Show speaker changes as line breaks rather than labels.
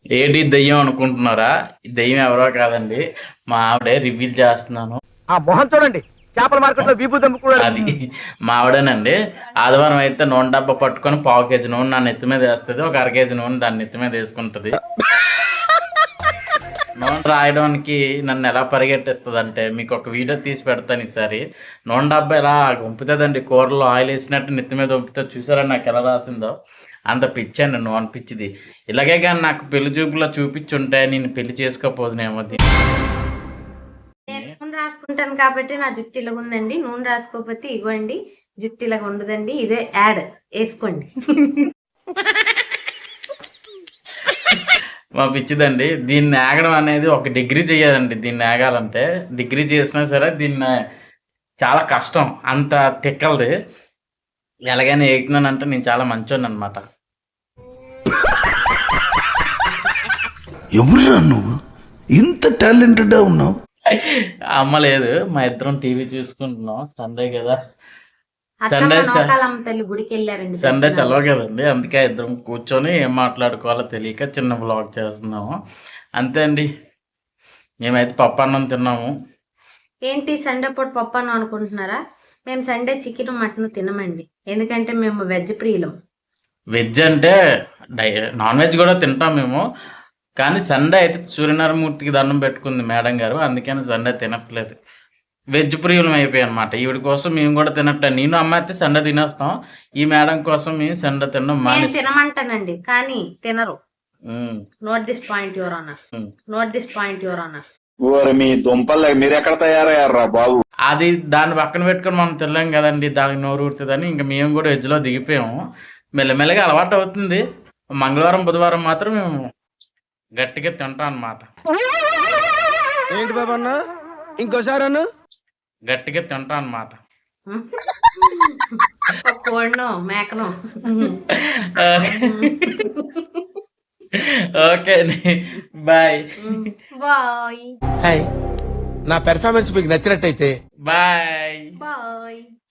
ఏంటి దెయ్యం అనుకుంటున్నారా? ఈ దెయ్యం ఎవరో కాదండి, మా ఆవిడే. రివీల్ చేస్తున్నాను.
ఆ మొహం చూడండి, చేపల మార్కెట్ లో వీపు దమ్ముకున్నాడు.
అది మా ఆవిడేనండి. ఆదివారం అయితే నూనె డబ్బా పట్టుకొని పావు కేజీ నూనె నా నెత్తి మీద వేస్తుంది, ఒక అర కేజీ నూనె దాని నెత్తి మీద వేసుకుంటుంది. నూనె రాయడానికి నన్ను ఎలా పరిగెట్టిస్తుంది అంటే, మీకు ఒక వీడియో తీసి పెడతాను ఈసారి. నూనె డబ్బా ఎలా వంపుతుందండి, కూరలో ఆయిల్ వేసినట్టు నెత్తి మీద వంపుతుంది. చూసారా నాకు ఎలా రాసిందో? అంత పిచ్చండి నూనె పిచ్చిది. ఇలాగే కానీ నాకు పెళ్లి చూపులో చూపించుంటే నేను పెళ్లి చేసుకోపోదునేమో.
నేను నూనె రాసుకుంటాను కాబట్టి నా జుట్టు ఇలాగ ఉందండి. నూనె రాసుకోకపోతే ఇగోండి జుట్టు ఇలాగ ఉండదండి. ఇదే యాడ్ వేసుకోండి.
మా పిచ్చిదండి. దీన్ని ఆగడం అనేది ఒక డిగ్రీ చేయాలండి. దీన్ని ఆగాలంటే డిగ్రీ చేసినా సరే దీన్ని చాలా కష్టం, అంత తిక్కలది. ఎలాగైనా ఏగుతున్నానంటే నేను చాలా మంచోని అనమాట.
ఎవరురా నువ్వు ఇంత టాలెంటెడ్ ఉన్నావు?
అమ్మ లేదు, మా ఇద్దరం టీవీ చూసుకుంటున్నాం. సండే కదా,
అత్తమ్మ నూకాలమ్మ తల్లి గుడికి వెళ్ళారండి.
సండే సెలవు కదండి, అందుకే ఇద్దరం కూర్చొని ఏం మాట్లాడుకోవాలో తెలియక చిన్న బ్లాగ్ చేస్తున్నాము. అంతే అండి. మేమైతే పప్పు అన్నం తిన్నాము.
ఏంటి సండే పూట పప్పు అన్నం అనుకుంటున్నారా? మేము సండే చికెన్ మటన్ తినమండి, ఎందుకంటే మేము వెజ్ ప్రియులం.
వెజ్ అంటే నాన్ వెజ్ కూడా తింటాం మేము, కానీ సండే అయితే సూర్యనారాయణమూర్తికి దండం పెట్టుకుంది మేడం గారు, అందుకని సండే తినట్లేదు. వెజ్ ప్రియులం అయిపోయాయి అనమాట. ఈవిడ కోసం మేము కూడా తినట్లేదు. నేను అమ్మ అయితే సండే తినేస్తాం, ఈ మేడం కోసం మేము సండే తినడం
నేను తినమంటానండి, కానీ తినరు. Note this point your honour, note this point your honour.
మీ దుంపలు మీరు ఎక్కడ తయారయ్యారా బాబు?
అది దాన్ని పక్కన పెట్టుకొని మనం తినలేం కదండి, దానికి నోరు ఊరుతుందని ఇంకా మేము కూడా వెజ్లో దిగిపోయాము. మెల్లమెల్లగా అలవాటు అవుతుంది. మంగళవారం బుధవారం మాత్రం మేము గట్టిగా తింటాం అన్నమాట.
ఏంటి బాబు అన్న, ఇంకోసారి అన్న
గట్టిగా తింటాం అన్నమాట.
కోడినో మేకనో.
ఓకే అండి, బాయ్
బాయ్
హాయ్. నా పెర్ఫార్మెన్స్ మీకు నచ్చినట్టయితే
బాయ్.
బాయ్.